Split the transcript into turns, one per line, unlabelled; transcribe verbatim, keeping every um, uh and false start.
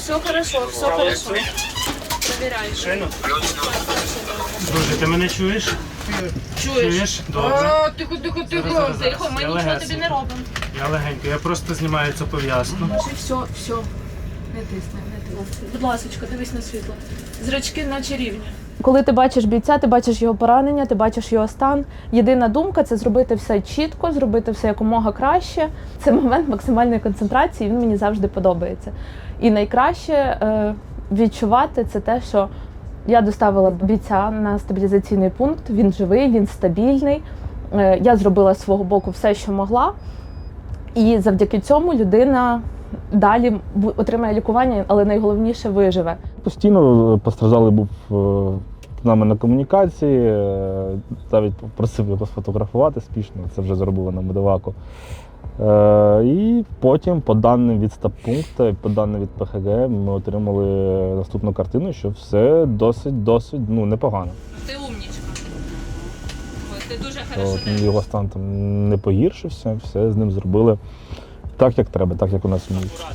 все хорошо, все хорошо. Проверяй.
Шину? Друже, ти мене чуєш?
Чуєш?
Чуєш? Добре.
А, тихо, тихо, тихо.
Зараз, зараз,
Тихо, ми
я
нічого
легесенько.
тобі не робимо.
Я легенько, я просто знімаю цю пов'язку.
Кажи, все, все. Не тисни, не тисни. Будь ласка, дивись на світло. Зрачки наче рівні. Коли ти бачиш бійця, ти бачиш його поранення, ти бачиш його стан. Єдина думка – це зробити все чітко, зробити все якомога краще. Це момент максимальної концентрації, він мені завжди подобається. І найкраще е, відчувати – це те, що я доставила бійця на стабілізаційний пункт, він живий, він стабільний. Е, я зробила з свого боку все, що могла. І завдяки цьому людина далі отримає лікування, але найголовніше – виживе.
Постійно постраждалий був з нами на комунікації, навіть просив його сфотографувати спішно, це вже зробили на Медоваку. І потім, по даним від стаб-пункту, по даним від Пе Ха Ге, ми отримали наступну картину, що все досить-досить ну, непогано.
Ти умнічка. Ти дуже хорошо.
От, його стан там не погіршився, все з ним зробили так, як треба, так, як у нас вміють.